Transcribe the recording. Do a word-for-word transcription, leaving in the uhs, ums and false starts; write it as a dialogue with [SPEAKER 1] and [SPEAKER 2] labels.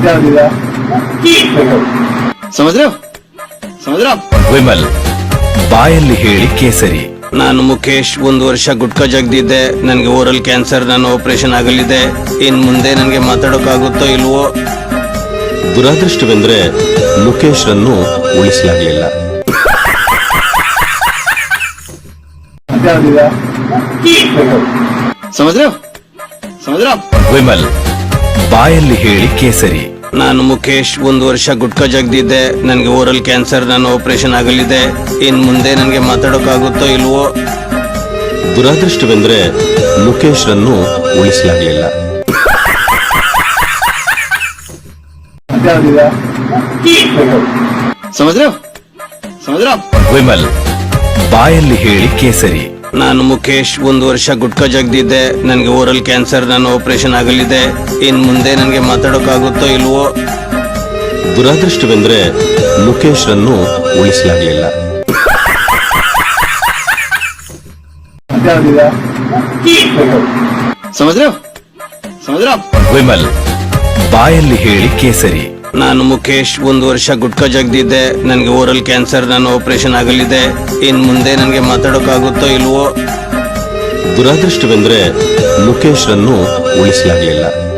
[SPEAKER 1] समझ रहे हो समझ रहे हो
[SPEAKER 2] ವಿಮಲ್ ಬಾಯಲ್ಲಿ ಹೇಳಿ ಕೇಸರಿ.
[SPEAKER 3] ನಾನು ಮುಖೇಶ್, ಒಂದು ವರ್ಷ ಗುಟ್ಕಾ ಜಗ್ದಿದ್ದೆ. ನನಗೆ ಓರಲ್ ಕ್ಯಾನ್ಸರ್, ನಾನು ಆಪರೇಷನ್ ಆಗಲಿದೆ. ಇನ್ ಮುಂದೆ ನನಗೆ ಮಾತಾಡೋಕ್ಕಾಗುತ್ತೋ ಇಲ್ವೋ?
[SPEAKER 4] ದುರಾದೃಷ್ಟವೆಂದ್ರೆ ಮುಖೇಶ್ ರನ್ನು ಉಳಿಸಲಾಗಲಿಲ್ಲ.
[SPEAKER 1] समझ रहे हो समझ रहे हो
[SPEAKER 2] ವಿಮಲ್ ಬಾಯಲ್ಲಿ ಹೇಳಿ ಕೇಸರಿ.
[SPEAKER 3] ನಾನು ಮುಖೇಶ್, ಒಂದು ವರ್ಷ ಗುಟ್ಕಾ ಜಗ್ದಿದ್ದೆ. ನನಗೆ ಓರಲ್ ಕ್ಯಾನ್ಸರ್, ನಾನು ಆಪರೇಷನ್ ಆಗಲಿದೆ. ಇನ್ ಮುಂದೆ ನನಗೆ ಮಾತಾಡೋಕ್ಕಾಗುತ್ತೋ ಇಲ್ವೋ?
[SPEAKER 4] ದುರಾದೃಷ್ಟವೆಂದ್ರೆ ಮುಖೇಶ್ ರನ್ನು ಉಳಿಸಲಾಗಲಿಲ್ಲ.
[SPEAKER 1] समझ रहे हो समझ रहे हो
[SPEAKER 2] ವಿಮಲ್ ಬಾಯಲ್ಲಿ ಹೇಳಿ ಕೇಸರಿ.
[SPEAKER 3] ನಾನು ಮುಖೇಶ್, ಒಂದು ವರ್ಷ ಗುಟ್ಕಾ ಜಗ್ದಿದ್ದೆ. ನನಗೆ ಓರಲ್ ಕ್ಯಾನ್ಸರ್, ನಾನು ಆಪರೇಷನ್ ಆಗಲಿದೆ. ಇನ್ ಮುಂದೆ ನನಗೆ ಮಾತಾಡೋಕ್ಕಾಗುತ್ತೋ ಇಲ್ವೋ?
[SPEAKER 4] ದುರಾದೃಷ್ಟವೆಂದ್ರೆ ಮುಖೇಶ್ ರನ್ನು ಉಳಿಸಲಾಗಲಿಲ್ಲ.
[SPEAKER 1] समझ रहे हो समझ रहे हो
[SPEAKER 2] ವಿಮಲ್ ಬಾಯಲ್ಲಿ ಹೇಳಿ ಕೇಸರಿ.
[SPEAKER 3] ನಾನು ಮುಖೇಶ್, ಒಂದು ವರ್ಷ ಗುಟ್ಕಾ ಜಗ್ದಿದ್ದೆ. ನನಗೆ ಓರಲ್ ಕ್ಯಾನ್ಸರ್, ನಾನು ಆಪರೇಷನ್ ಆಗಲಿದೆ. ಇನ್ ಮುಂದೆ ನನಗೆ ಮಾತಾಡೋಕ್ಕಾಗುತ್ತೋ ಇಲ್ವೋ?
[SPEAKER 4] ದುರಾದೃಷ್ಟವೆಂದ್ರೆ ಮುಖೇಶ್ ರನ್ನು ಉಳಿಸಲಾಗಲಿಲ್ಲ.